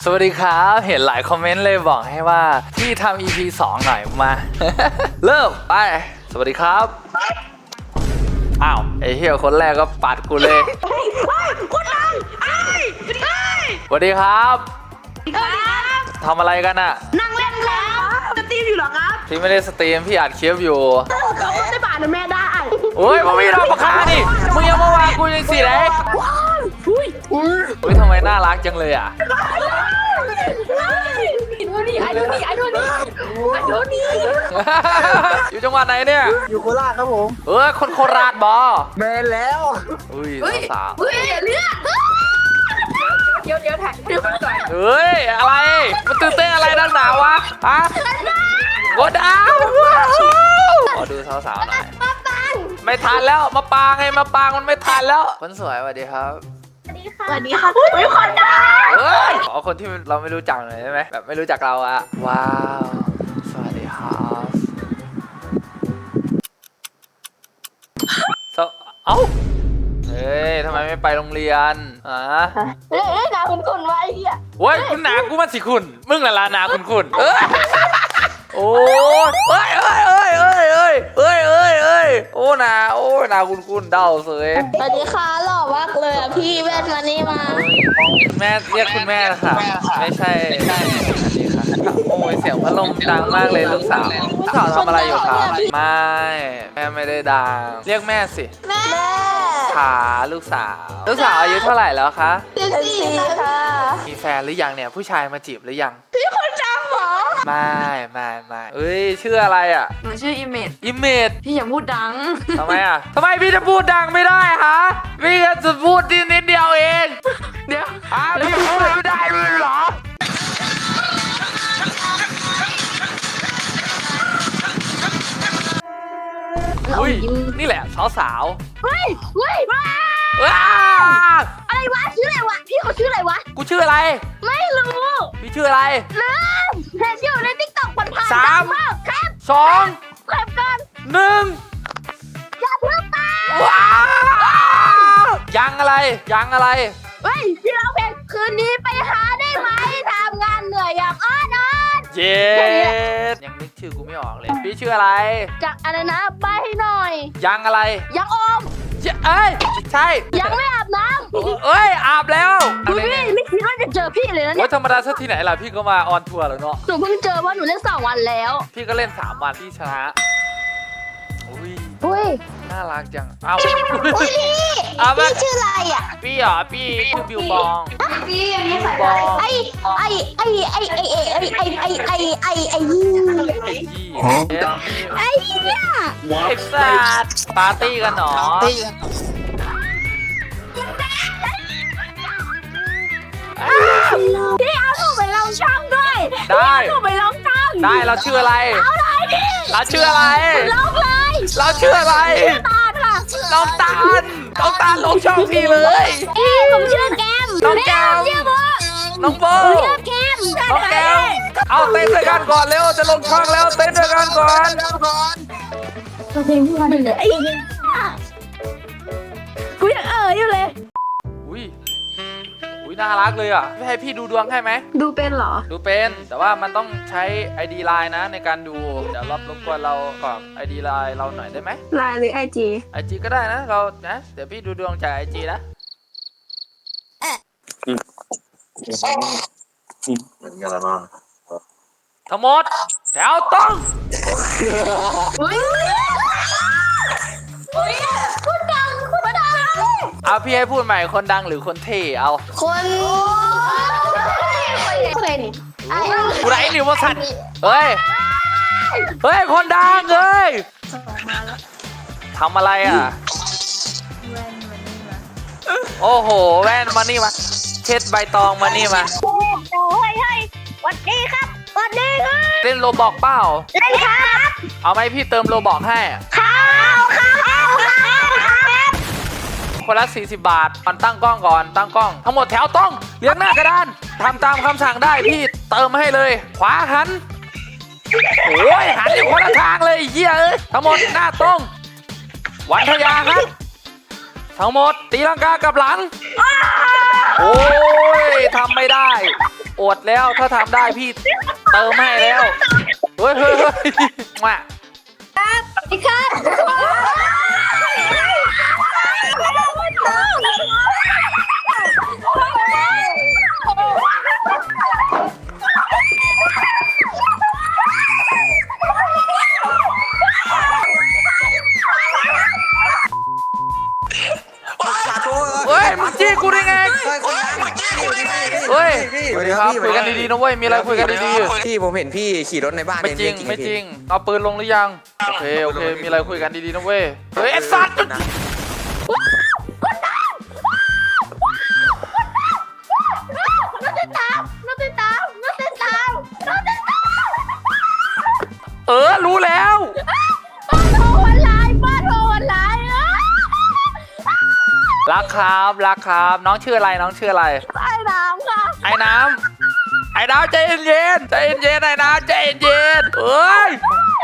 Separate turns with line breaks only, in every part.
สวัสดีครับเห็นหลายคอมเมนต์เลยบอกให้ว่าพี่ทำ EP 2 หน่อยมา เริ่มไปสวัสดีครับอ้าวไอ้เหี้ยคนแรกก็ปัดกูเลยคนดังสวัสดีครับทำอะไรกันอะ
นั่งเล่นแล้วสตรีมอยู่เหรอครับ
พี่ไม่ได้สตรีมพี่อัดคลิปอยู่
เขาได้บาทนะแม่ได้
โอ้ยมึงมีดอกปากกาดิมึงยังมาวางกูยังสิไหน
ว้าวอุ้ย
อุ้ยทำไมน่ารักจังเลยอะ
ดูนี่ไอ้ดูนี่ไอ้ดูนี่ไอ้ดูนี่
อยู่จังหวัดไหนเนี่ย
อยู่โคราชครับผม
คนโคราชบอ
แมนแล้ว
อุ้ยสาว
เฮ้ยเลือดเดี๋ยวถ่ายเดี๋ยวก่อน
เฮ้ยอะไรมันตื่นเต้นอะไรดังหนาวะฮะโกดาวขอดูสาวๆหน่อย
มาปัน
ไม่ทันแล้วมาปางไงมาปางมันไม่ทันแล้วคนสวยสวัสดีครับ
สวัสดีค่ะอุ้ยคนดัง
เฮ้ยขอคนที่เราไม่รู้จักหน่อยได้ไหมแบบไม่รู้จักเราอะว้าวสวัสดีครับเอ้าเฮ้ยทำไมไม่ไปโรงเรียนอ่ะ
เฮ้ยนาคุณไว้เฮีย
โว้ยคุณหนากูมันสิคุณมึงน่ะลานาคุณเอ้ยโอ้ยเอ้ยโอ้นาคุณเดาเสย
สวัสดีค่ะหล่อมากเลยอ่ะพี่แว่นมานี่มา
แม่เรียกคุณแม่นะคะไม่ใช่อันนี้ค่ะโอ้ยเสียงพัดลมดังมากเลยลูกสาวทำอะไรอยู่ครับไม่แม่ไม่ได้ดังเรียกแม่สิ
แม่
ขาลูกสาวอายุเท่าไหร่แล้วคะ
14ค่ะ
มีแฟนหรือยังเนี่ยผู้ชายมาจีบหรือยัง
พี่คนดังเหรอ
ไม่เอ้ยชื่ออะไรอ่ะ
หนูชื่ออิเมจ
อิมเมจ
พี่อย่าพูดดัง
ทำไมอ่ะทำไมพี่จะพูดดังไม่ได้ฮะพี่จะพูดนิดเดียวเอง
เดี๋ยว
พี่พูดไม่ได้เลยเหรออุ้ยนี่แหละสาว
เฮ้ยว้า
ๆว้า
อะไรวะชื่ออะไรวะพี่เขาชื่ออะไรวะ
กูชื่ออะไร
ไม่รู้
พี่ชื่ออะไร
ลืมเห็นอยู่ในติ๊กต็อกผ่านๆ
สาม
ดังกแคป
สอง
แคปกัน
หนึ่ง
อย่าเพิ่งไป
ว้าวยังอะไร
เฮ้ยพี่ร้องเพลงคืนนี้ไปหาได้ไหมทำงานเหนื่อยอยากอ้อน
เย็ดยังนึกชื่อกูไม่ออกเลย พี่ชื่ออะไร
จากอะไรนะใบให้หน่อย
ยังอะไร
ยังอม
เอ้ยใช่
ยังไม่อาบน้
เอ้ยอาบแล้ว
ำดูพี่ไม่คิดว่าจะเจอพี่เลยนะเนี่
ว่าย ธรรมดาสักที่ไหนล่ะพี่ก็มาออนทัวร์แล้วเนาะ
หนูเพิ่งเจอว่าหนูเล่น2 วันแล้ว
พี่ก็เล่น3 วันพี่ชนะอุ้ย
อุ้ย
น่ารักจังเอ้า
อุ้ยพี่
เอามา
พี่ชื่ออะไรอ่ะ
พี่เหรอพี่ชื่อบิวบอง
พี่อันนี้ใส่
บอง
ไอ้ยี่
ไอ้ยี่
ไอ้เนี่ย
เอ็กซ์ซัดปาร์ตี้กันหนอ
พี่เอาหนูไปลองช่องด้วย
ได้
หนูไปลองช่อง
ได้เราชื่ออะไร
เอาเลยดิ
เราชื่ออะไร
ลองเลย
เราชื่ออะไร
ตาลค่ะ
น้องตาลลงช่องพี่เลย
ผมชื่อแกม
น้องแก้ม
ชื่อโบ
น้องโบ
ชื่อแกม
น้องแก้วเอาเต้นด้วยกันก่อนเร็วจะลงช่องแล้วเต้นด้วยกันก่อน
เพลงพี่วันหนึ่งเลยไอ้กูยังอยู่เลย
อุ้ยน่ารักเลยอ่ะให้พี่ดูดวงให้ไหม
ดูเป็นเหรอ
ดูเป็นแต่ว่ามันต้องใช้ ID Line นะในการดูเดี๋ยวรบกวนเรากรอก ID Line เราหน่อยได้ไหม
ไลน์หรือไอจี
IG ก็ได้นะเรานะเดี๋ยวพี่ดูดวงจาก IG นะ
เหมือนกันแล้วเนาะ
ทั้งหมดแถวต้อง
คุณดัง
เอาพี่ให้พูดใหม่คนดังหรือคนเท่เอา
คนเพลง
กูไรนิวมาสัตว์เฮ้ยคนดังเฮ้ยทำอะไรอ่ะโอ้โหแว่นมานี่มาเช็ดใบตองมานี่มา
เฮ้ยสวัสดีครับสวัสดีครับ
เล่นโรบอกเปล่า
เล่นครับ
เอาไหมพี่เติมโรบอกให้
ข้าว
คนละ40 บาทก่อนตั้งกล้องทั้งหมดแถวต้องเรียงหน้ากระดานทำตามคำสั่งได้พี่เติมให้เลยขวาหันโอ้ยหันอยู่คนละทางเลยไอ้เหี้ยเอ้ยทั้งหมดหน้าตรงวันทยาครับทั้งหมดตีลังกากับหลังโอ้ยทำไม่ได้อดแล้วถ้าทำได้พี่เติมให้แล้วเฮ้ยมา
พี่ข้า
เฮ้ยมึงจี้กูได้ไงเฮ้ย
สวัสดีค
ค
รั
รั
บบ พี่
คุยกันดีๆนะเว้ยมีอะไรคุยกันดี
พี่ผมเห็นพี่ขี่รถในบ้าน
ๆไม่จริงไม่จริงเอาปืนลงหรือยังโอเคมีอะไรคุยกันดีๆนะเว้ยเฮ้ยไอ้สัตว์
น้องติดตาม
รู้แล้ว
ป้าโทรออนไลน์
รักครับน้องชื่ออะไรน้องชื่ออะไร
ใต้น้ำค่ะ
ไอ้น้ำใจเย็นไอ้น้ำใจเย็นเอ้ย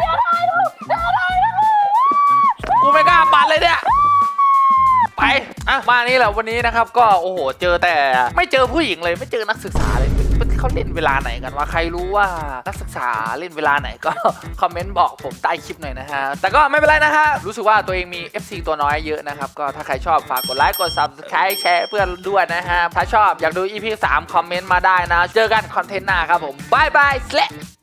กูไม่กล้าปัดเลยเนี่ยไปอ่ะมานี่แหละวันนี้นะครับก็โอ้โหเจอแต่ไม่เจอผู้หญิงเลยไม่เจอนักศึกษาเลยเขาเล่นเวลาไหนกันวะใครรู้ว่านักศึกษาเล่นเวลาไหนก็ คอมเมนต์บอกผมใต้คลิปหน่อยนะฮะแต่ก็ไม่เป็นไรนะฮะรู้สึกว่าตัวเองมี FC ตัวน้อยเยอะนะครับก็ถ้าใครชอบฝากกดไลค์กด Subscribe แชร์เพื่อนด้วยนะฮะถ้าชอบอยากดู EP 3 คอมเมนต์มาได้นะเจอกันคอนเทนต์หน้าครับผมบาย